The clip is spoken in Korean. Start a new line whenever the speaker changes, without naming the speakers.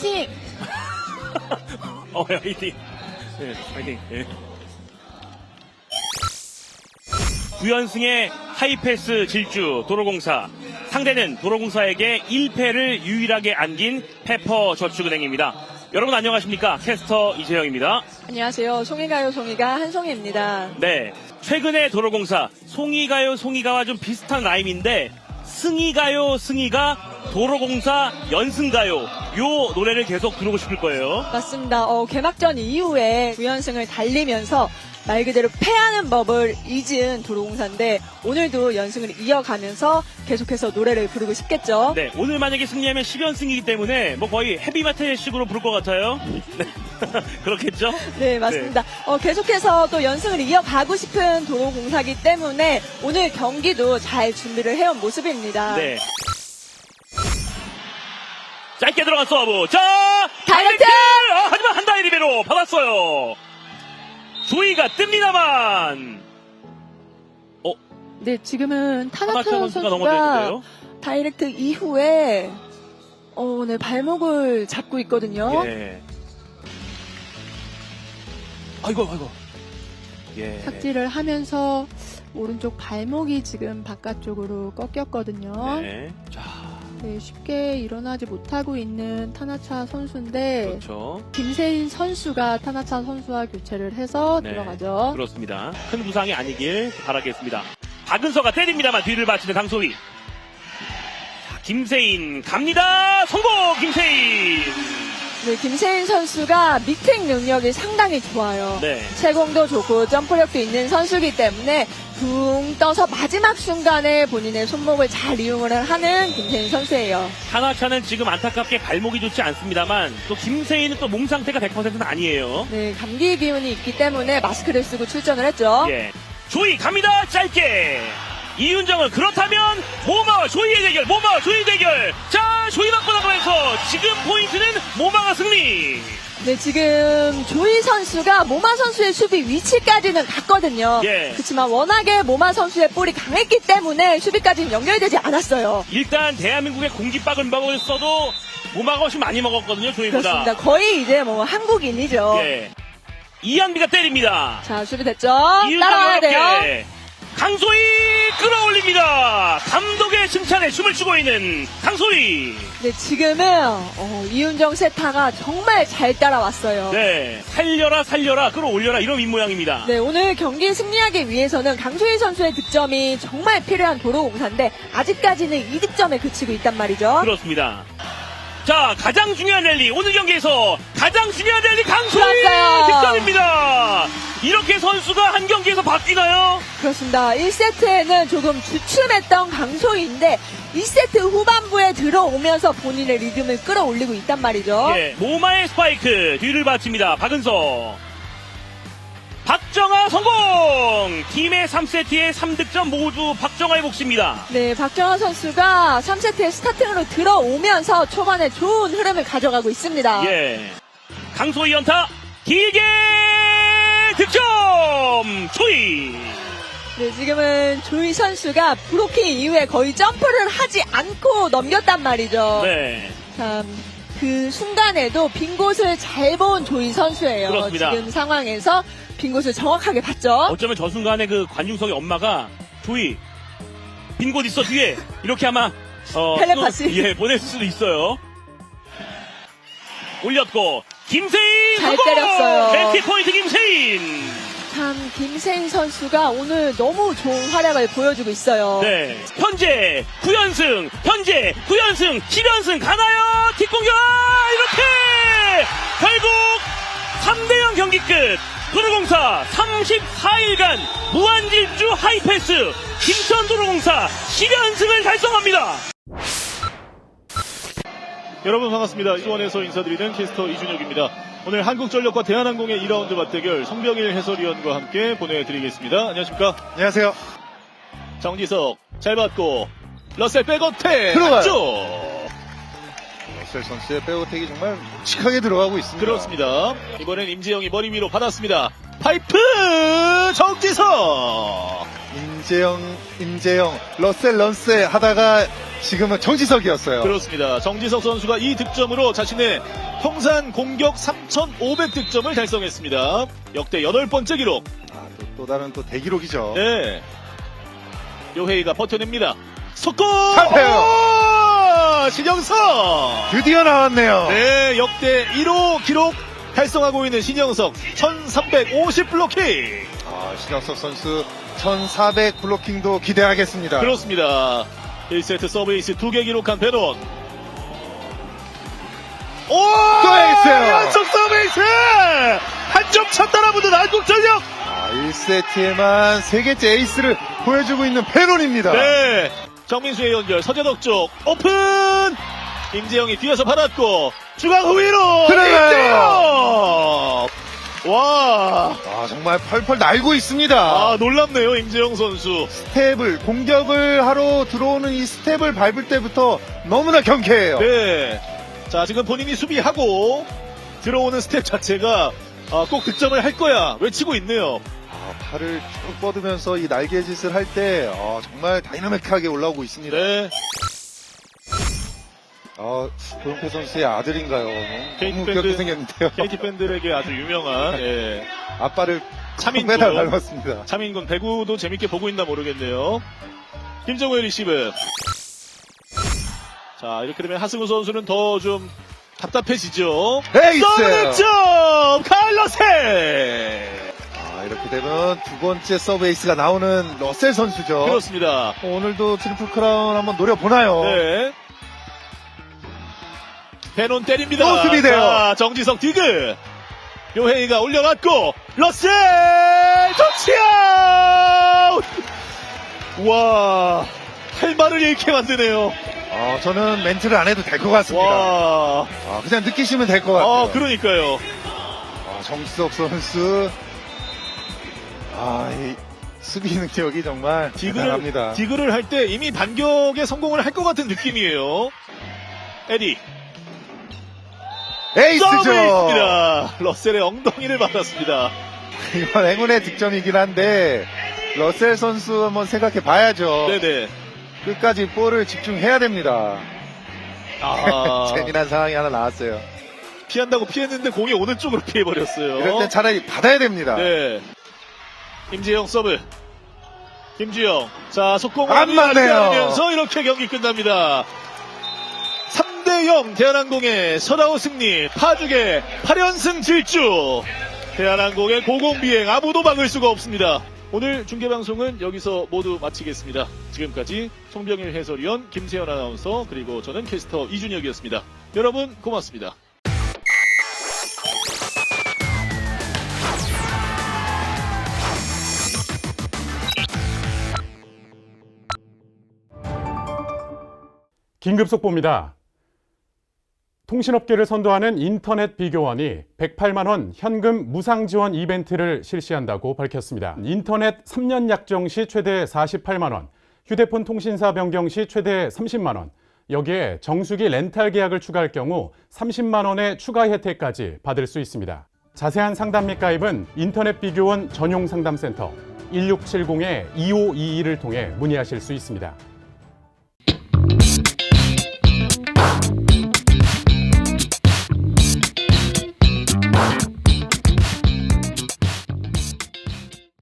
화이팅!
화이팅. 네, 화이팅. 네. 9연승의 하이패스 질주 도로공사. 상대는 도로공사에게 1패를 유일하게 안긴 페퍼저축은행입니다. 여러분 안녕하십니까? 캐스터 이재영입니다.
안녕하세요. 송이가요 송이가 한송이입니다.
네, 최근에 도로공사 송이가요 송이가와 좀 비슷한 라임인데 승이가요 승이가 도로공사 연승가요 요 노래를 계속 부르고 싶을 거예요.
맞습니다. 개막전 이후에 9연승을 달리면서 말 그대로 패하는 법을 잊은 도로공사인데 오늘도 연승을 이어가면서 계속해서 노래를 부르고 싶겠죠.
네, 오늘 만약에 승리하면 10연승이기 때문에 뭐 거의 헤비메탈식으로 부를 것 같아요. 네. 그렇겠죠?
네, 맞습니다. 계속해서 또 연승을 이어가고 싶은 도로공사기 때문에 오늘 경기도 잘 준비를 해온 모습입니다.
네. 짧게 들어간 서브. 자,
다이렉트!
하지만 한다이 리베로 받았어요. 조이가 뜹니다만.
네, 지금은 타나차
선수가
선수가
넘어졌는데요.
다이렉트 이후에 네, 발목을 잡고 있거든요.
예. 아이고. 예.
삭제를 하면서 오른쪽 발목이 지금 바깥쪽으로 꺾였거든요.
네. 자,
네, 쉽게 일어나지 못하고 있는 타나차 선수인데
그렇죠.
김세인 선수가 타나차 선수와 교체를 해서
네,
들어가죠.
그렇습니다. 큰 부상이 아니길 바라겠습니다. 박은서가 때립니다만 뒤를 받치는 강소희. 자, 김세인 갑니다. 성공 김세인.
네, 김세인 선수가 미팅 능력이 상당히 좋아요.
네.
채공도 좋고 점프력도 있는 선수이기 때문에 붕 떠서 마지막 순간에 본인의 손목을 잘 이용을 하는 김세인 선수예요.
하나차는 지금 안타깝게 발목이 좋지 않습니다만 또 김세인은 또 몸 상태가 100%는 아니에요.
네, 감기 기운이 있기 때문에 마스크를 쓰고 출전을 했죠.
예. 조이 갑니다. 짧게. 이윤정은 그렇다면 모마와 조이의 대결. 모마와 조이 대결. 자, 조이 맞고 나가면서 지금 포인트는 모마가 승리.
네, 지금 조이 선수가 모마 선수의 수비 위치까지는 갔거든요.
예.
그렇지만 워낙에 모마 선수의 볼이 강했기 때문에 수비까지는 연결되지 않았어요.
일단 대한민국의 공깃밥을 써도 모마가 훨씬 많이 먹었거든요. 조이보다.
그렇습니다. 거의 이제 뭐 한국인이죠.
예. 이한비가 때립니다.
자, 수비됐죠?
이윤정
따라와야 돼요.
어렵게. 강소희 끌어올립니다. 감독의 칭찬에 춤을 추고 있는 강소희.
네, 지금은 이윤정 세타가 정말 잘 따라왔어요.
네, 살려라 끌어올려라 이런 입모양입니다.
네, 오늘 경기 승리하기 위해서는 강소희 선수의 득점이 정말 필요한 도로공사인데 아직까지는 2득점에 그치고 있단 말이죠.
그렇습니다. 자, 가장 중요한 랠리, 오늘 경기에서 가장 중요한 랠리 강소희
좋았어요.
득점입니다. 이렇게 선수가 한 경기에서 바뀌나요?
그렇습니다. 1세트에는 조금 주춤했던 강소희인데 2세트 후반부에 들어오면서 본인의 리듬을 끌어올리고 있단 말이죠.
예, 모마의 스파이크 뒤를 받칩니다. 박은서. 박정아 성공! 팀의 3세트의 3득점 모두 박정아의 몫입니다.
네, 박정아 선수가 3세트에 스타팅으로 들어오면서 초반에 좋은 흐름을 가져가고 있습니다.
예. 강소희 연타 길게 득점! 조이!
네, 지금은 조이 선수가 브로킹 이후에 거의 점프를 하지 않고 넘겼단 말이죠.
네.
참, 그 순간에도 빈 곳을 잘 본 조이 선수예요.
그렇습니다.
지금 상황에서 빈 곳을 정확하게 봤죠.
어쩌면 저 순간에 그 관중석의 엄마가 조이 빈 곳 있어 뒤에 이렇게 아마
텔레파시.
예, 보냈을 수도 있어요. 올렸고 김세인
잘
성공!
때렸어요.
멘티 포인트 김세인.
참, 김세인 선수가 오늘 너무 좋은 활약을 보여주고 있어요.
네. 현재 9연승, 10연승 가나요? 뒷공격! 이렇게! 결국 3대0 경기 끝! 도로공사 34일간 무한질주 하이패스 김천도로공사 10연승을 달성합니다.
여러분 반갑습니다. 수원에서 인사드리는 캐스터 이준혁입니다. 오늘 한국전력과 대한항공의 2라운드 맞대결 송병일 해설위원과 함께 보내드리겠습니다. 안녕하십니까?
안녕하세요.
정지석 잘 받고 러셀 백어택
들어가요.
안쪽.
러셀 선수의 백어택이 정말 묵직하게 들어가고 있습니다.
그렇습니다. 이번엔 임재영이 머리 위로 받았습니다. 파이프 정지석.
임재영, 러셀 런세 하다가 지금은 정지석이었어요.
그렇습니다. 정지석 선수가 이 득점으로 자신의 통산 공격 3,500득점을 달성했습니다. 역대 8번째 기록.
또 다른 또 대기록이죠.
네. 요헤이가 버텨냅니다. 속공!
잘해요.
신영석!
드디어 나왔네요.
네, 역대 1호 기록 달성하고 있는 신영석 1350 블로킹.
신영석 선수 1400 블로킹도 기대하겠습니다.
그렇습니다. 1세트 서브에이스 2개 기록한 베논. 오!
또 에이스예요.
연속 서브에이스! 한 점 차 따라붙은 한국전력!
1세트에만 3개째 에이스를 보여주고 있는 베논입니다.
네. 정민수의 연결, 서재덕 쪽, 오픈! 임재영이 뒤에서 받았고, 중앙 후위로!
들어가요.
임재영! 와.
정말 펄펄 날고 있습니다.
놀랍네요, 임재영 선수.
스텝을, 공격을 하러 들어오는 이 스텝을 밟을 때부터 너무나 경쾌해요.
네. 자, 지금 본인이 수비하고 들어오는 스텝 자체가 꼭 득점을 할 거야 외치고 있네요.
팔을 쭉 뻗으면서 이 날개짓을 할 때 정말 다이나믹하게 올라오고 있습니다.
네.
조용태 선수의 아들인가요?
KT
너무
밴드-
귀엽게 생겼는데요.
KT 팬들에게 아주 유명한 예.
아빠를
차민군.
매달 닮았습니다.
차민군 배구도 재밌게 보고 있나 모르겠네요. 김정우의 리시브. 자, 이렇게 되면 하승우 선수는 더 좀 답답해지죠.
에이스!
서브 득점! 카일러세!
이렇게 되면 두 번째 서브 에이스가 나오는 러셀 선수죠.
그렇습니다.
오늘도 트리플 크라운 한번 노려보나요?
네. 베논 때립니다.
또 수비돼요.
자, 정지석 디그. 요헤이가 올려놨고, 러셀! 터치아웃! 와, 할 말을 잃게 만드네요.
저는 멘트를 안 해도 될 것 같습니다.
와,
그냥 느끼시면 될 것 같아요.
그러니까요.
정지석 선수. 이 수비 능력이 정말 대단합니다.
디그를 할 때 이미 반격에 성공을 할 것 같은 느낌이에요. 에디.
에이스죠.
서브에이스입니다. 러셀의 엉덩이를 받았습니다.
이건 행운의 득점이긴 한데 러셀 선수 한번 생각해 봐야죠.
네네.
끝까지 볼을 집중해야 됩니다.
아,
재미난 상황이 하나 나왔어요.
피한다고 피했는데 공이 오는 쪽으로 피해버렸어요.
이럴 땐 차라리 받아야 됩니다.
네. 임지영 서브. 김주영. 자, 속공을
안 맞네요.
하면서 이렇게 경기 끝납니다. 3대0 대한항공의 서다우 승리. 파죽의 8연승 질주. 대한항공의 고공비행 아무도 막을 수가 없습니다. 오늘 중계방송은 여기서 모두 마치겠습니다. 지금까지 송병일 해설위원, 김세현 아나운서, 그리고 저는 캐스터 이준혁이었습니다. 여러분 고맙습니다.
긴급 속보입니다. 통신업계를 선도하는 인터넷 비교원이 108만 원 현금 무상 지원 이벤트를 실시한다고 밝혔습니다. 인터넷 3년 약정 시 최대 48만 원, 휴대폰 통신사 변경 시 최대 30만 원, 여기에 정수기 렌탈 계약을 추가할 경우 30만 원의 추가 혜택까지 받을 수 있습니다. 자세한 상담 및 가입은 인터넷 비교원 전용 상담센터 1670-2522를 통해 문의하실 수 있습니다.